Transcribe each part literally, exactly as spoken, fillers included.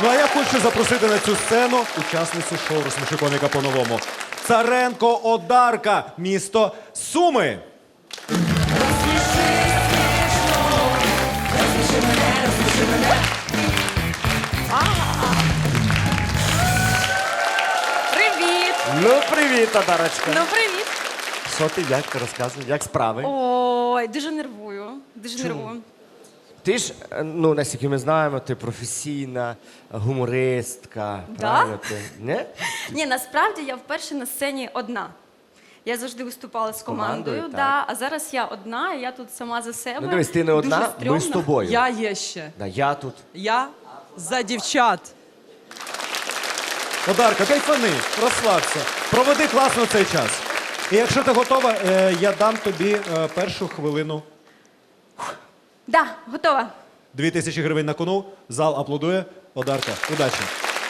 Ну а я хочу запросити на цю сцену учасницю шоу «Розсміши коміка по-новому». Царенко Одарка, місто Суми. Привіт! Ну, привіт, Одарочка. Ну, привіт! Що ти, як ти розказуй, як справи? Ой, дуже нервую. Дуже нервую. Ти ж, е, ну, наскільки ми знаємо, ти професійна гумористка. Да? Правильно ти? Не? Ні, насправді я вперше на сцені одна. Я завжди виступала з командою, командою, да, а зараз я одна, і я тут сама за себе. Ну, дивись, ти не одна, Дуже ми стрьомно. з тобою. Я є ще. Да, я тут. Я за дівчат. Одарка, кайфани, розслабся. Проведи класно цей час. І якщо ти готова, е, я дам тобі е, першу хвилину. Да, готова. Дві тисячі гривень на кону, зал аплодує. Одарка, удачі.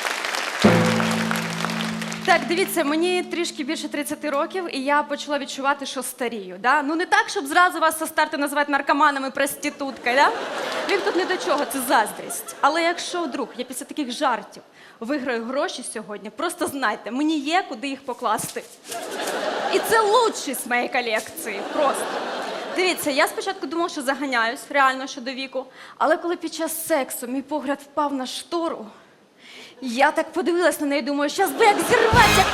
Так, дивіться, мені трішки більше тридцяти років, і я почала відчувати, що старію. Да? Ну не так, щоб зразу вас со старту називати наркоманами, проституткою, да? Він тут не до чого, це заздрість. Але якщо вдруг я після таких жартів виграю гроші сьогодні, просто знайте, мені є куди їх покласти. І це лучшість з моєї колекції, просто. Дивіться, я спочатку думала, що заганяюсь, реально, щодо віку, але коли під час сексу мій погляд впав на штору, я так подивилась на неї, думаю, щас би як зірвати, як...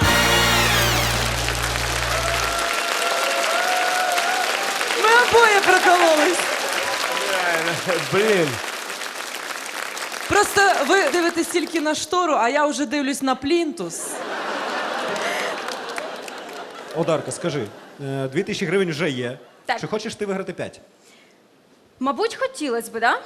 Ми обоє прокололись. Блін. Просто ви дивитесь тільки на штору, а я вже дивлюсь на плінтус. Одарка, скажи, е, дві тисячі гривень вже є. Так. Чи хочеш ти виграти п'ять? Мабуть, хотілося б, да?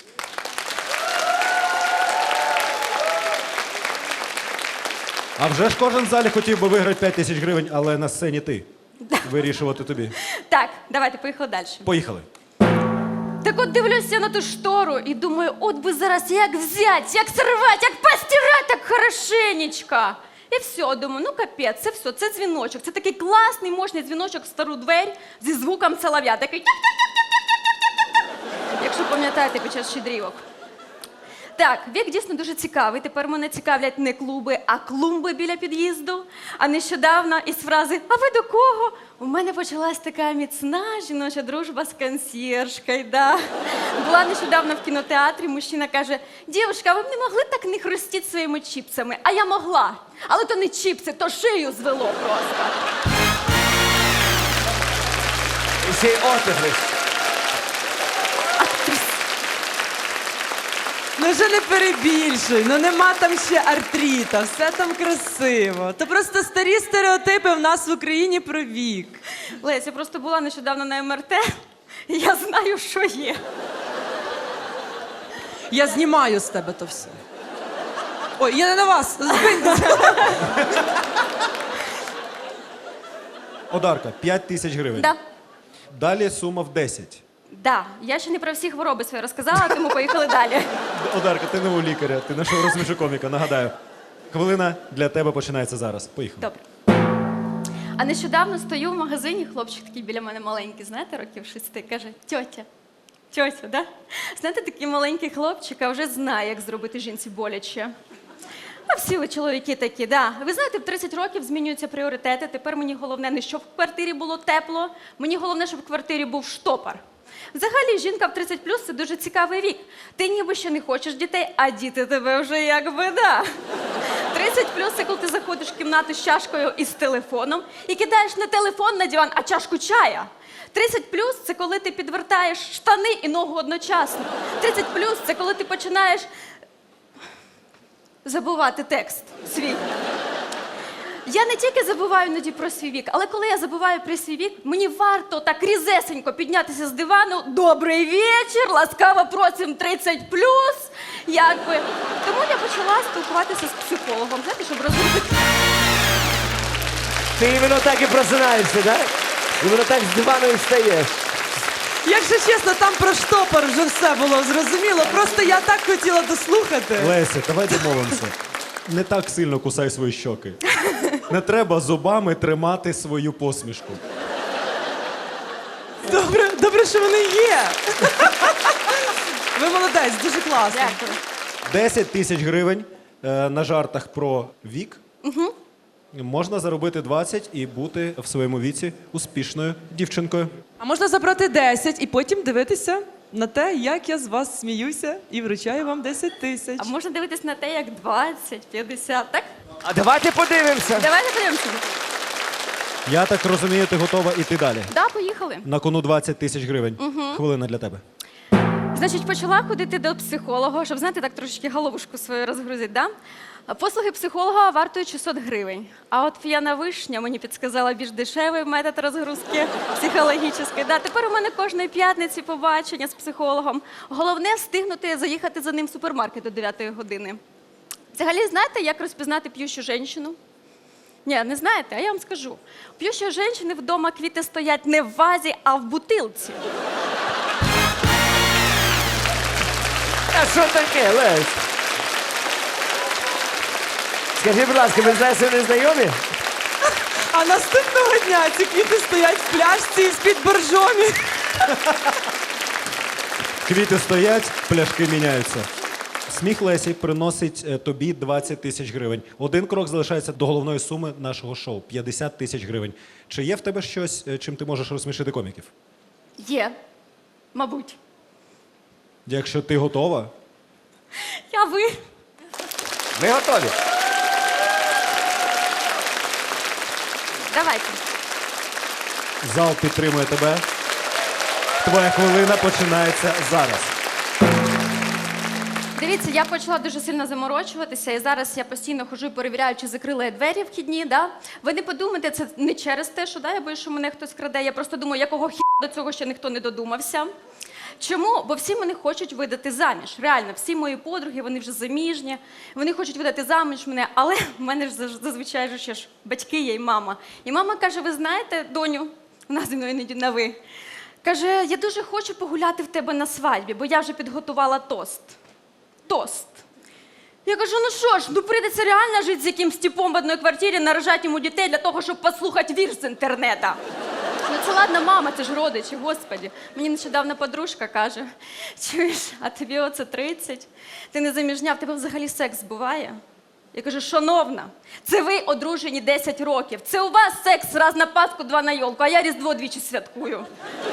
А вже ж кожен в залі хотів би виграти п'ять тисяч гривень, але на сцені ти. Вирішувати тобі. Так, давайте, поїхали далі. Поїхали. Так от дивлюся на ту штору і думаю, от би зараз як взять, як сорвати, як постирати так хорошенечко. І все, думаю, ну капець, це все, це дзвіночок. Це такий класний, мощний дзвіночок в стару двері зі звуком солов'я. Такий тяк-тяк-тяк-тяк-тяк-тяк. Якщо пам'ятаєте під час щедрівок. Так, вік дійсно дуже цікавий. Тепер мене цікавлять не клуби, а клумби біля під'їзду. А нещодавно із фрази «А ви до кого?» у мене почалась така міцна жіноча дружба з консьєржкою. Да. Була нещодавно в кінотеатрі, мужчина каже: «Дівушка, ви б не могли так не хрустіти своїми чіпсами?» А я могла. Але то не чіпси, то шию звело просто. І ще й отигрись. Ну вже не перебільшуй, ну нема там ще артрита, все там красиво. То просто старі стереотипи в нас в Україні про вік. Лесь, я просто була нещодавно на ем ер те, і я знаю, що є. Я знімаю з тебе то все. Ой, я не на вас, збиньтеся. Одарка, п'ять тисяч гривень. Да. Далі сума в десять. Да, я ще не про всі хвороби свої розказала, тому поїхали далі. Одарка, ти не у лікаря, ти на шоу «Розсміши коміка», нагадаю. Хвилина для тебе починається зараз. Поїхали. Добре. А нещодавно стою в магазині, хлопчик такий біля мене маленький, знаєте, років шести, каже: «Тьотя, тьотя, да? Знаєте, такий маленький хлопчик, а вже знає, як зробити жінці боляче». А всі ви чоловіки такі, да. Ви знаєте, в тридцять років змінюються пріоритети. Тепер мені головне не щоб в квартирі було тепло, мені головне, щоб в квартирі був штопор. Взагалі, жінка в тридцять плюс – це дуже цікавий вік. Ти ніби ще не хочеш дітей, а діти тебе вже якби, да. тридцять плюс – це коли ти заходиш в кімнату з чашкою і з телефоном і кидаєш не телефон на диван, а чашку чая. тридцять плюс – це коли ти підвертаєш штани і ногу одночасно. тридцять плюс – це коли ти починаєш забувати текст свій. Я не тільки забуваю іноді про свій вік, але коли я забуваю про свій вік, мені варто так різесенько піднятися з дивану. «Добрий вечір, ласкаво просим тридцять плюс», якби. Тому я почала спілкуватися з психологом, знаєте, щоб розробити. Ти іменно так і просинаєшся, так? Іменно так з дивану і встаєш. Якщо чесно, там про штопор вже все було зрозуміло. Просто я так хотіла дослухати. Леся, давай домовимося. Не так сильно кусай свої щоки. Не треба зубами тримати свою посмішку. Добре, добре, що вони є. Ви молодець, дуже класно. Дякую. десять тисяч гривень е, на жартах про вік. Угу. Можна заробити двадцять і бути в своєму віці успішною дівчинкою. А можна забрати десять і потім дивитися на те, як я з вас сміюся і вручаю вам десять тисяч. А можна дивитись на те, як двадцять, п'ятдесят, так? А давайте подивимося. Давайте подивимося. Я так розумію, ти готова іти далі. Да, поїхали. На кону двадцять тисяч гривень. Хвилина для тебе. Значить, почала ходити до психолога, щоб, знаєте, так трошечки головушку свою розгрузити, да? Послуги психолога вартують шістсот гривень. А от п'яна вишня мені підсказала більш дешевий метод розгрузки психологічної. Да, тепер у мене кожної п'ятниці побачення з психологом. Головне встигнути заїхати за ним в супермаркет до дев'ятої години. Взагалі, знаєте, як розпізнати п'ющу жінку? Ні, не знаєте, а я вам скажу. У п'ющої жінки вдома квіти стоять не в вазі, а в бутилці. А що таке, Лесь? Скажи, будь ласка, ви знаєте, що не знайомі? А наступного дня ці квіти стоять в пляшці з-під боржомі. Квіти стоять, пляшки міняються. Сміх Лесі приносить е, тобі двадцять тисяч гривень. Один крок залишається до головної суми нашого шоу – п'ятдесят тисяч гривень. Чи є в тебе щось, е, чим ти можеш розсмішити коміків? Є. Мабуть. Якщо ти готова, Я ви. Ми готові. Давайте. зал підтримує тебе. Твоя хвилина починається зараз. Дивіться, я почала дуже сильно заморочуватися, і зараз я постійно ходжу і перевіряю, чи закрили я двері вхідні. Да? Ви не подумайте, це не через те, що да, я боюсь, що мене хтось краде. Я просто думаю, якого хі до цього ще ніхто не додумався. Чому? Бо всі мене хочуть видати заміж. Реально, всі мої подруги, вони вже заміжні, вони хочуть видати заміж мене, але в мене ж заз- зазвичай ж ще ж батьки є і мама. І мама каже, ви знаєте, доню, вона зі мною іноді на ви, каже, я дуже хочу погуляти в тебе на свадьбі, бо я вже підготувала тост. Тост. Я кажу, ну що ж, ну прийдеться реально жити з якимсь типом в одній квартирі, наражати йому дітей для того, щоб послухати вірш з інтернету. Ну це ладно, мама, це ж родичі, господі. Мені нещодавно подружка каже, чуєш, а тобі оце тридцять, ти не заміжня, в тебе взагалі секс буває? Я кажу, шановна, це ви одружені десять років, це у вас секс раз на Пасху, два на йолку, а я Різдво двічі святкую.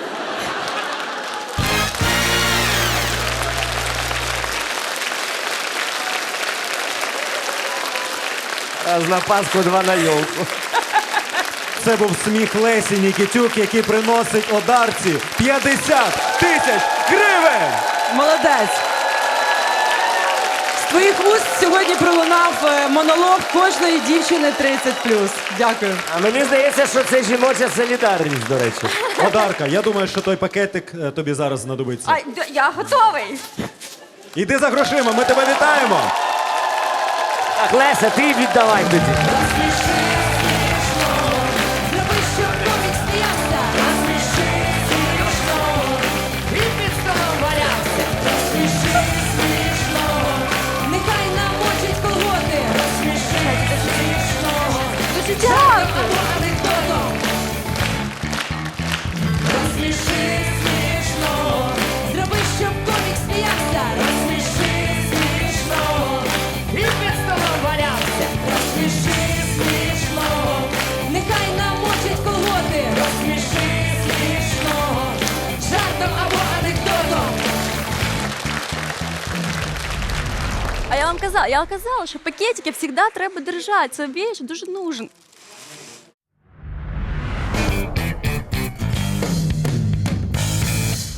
Раз на Пасху, два на йолку. Це був сміх Лесі Нікітюк, який приносить одарці п'ятдесят тисяч гривень! Молодець. З твоїх уст сьогодні пролунав е, монолог кожної дівчини тридцять плюс. Дякую. А мені здається, що це жіноча солідарність, до речі. Одарка, я думаю, що той пакетик е, тобі зараз знадобиться. Ай, д- я готовий. Іди за грошима, ми тебе вітаємо! Так, Леся, ти віддавай тоді. Зроби, щоб комік сміявся. Розсміши смішно. І під столом валявся. Розсміши смішно. Нехай намочить колготи. Розсміши смішно. Дуже дякую. Або анекдотом. Розсміши смішно. Зроби, щоб комік сміявся. Розсміши смішно. І під столом валявся. Розсміши смішно. Нехай намочить колготи. Розсміши смішно. Жартом або анекдотом. А я вам казала, я казала, що пакетики завжди треба держати. Це вещь дуже нужен.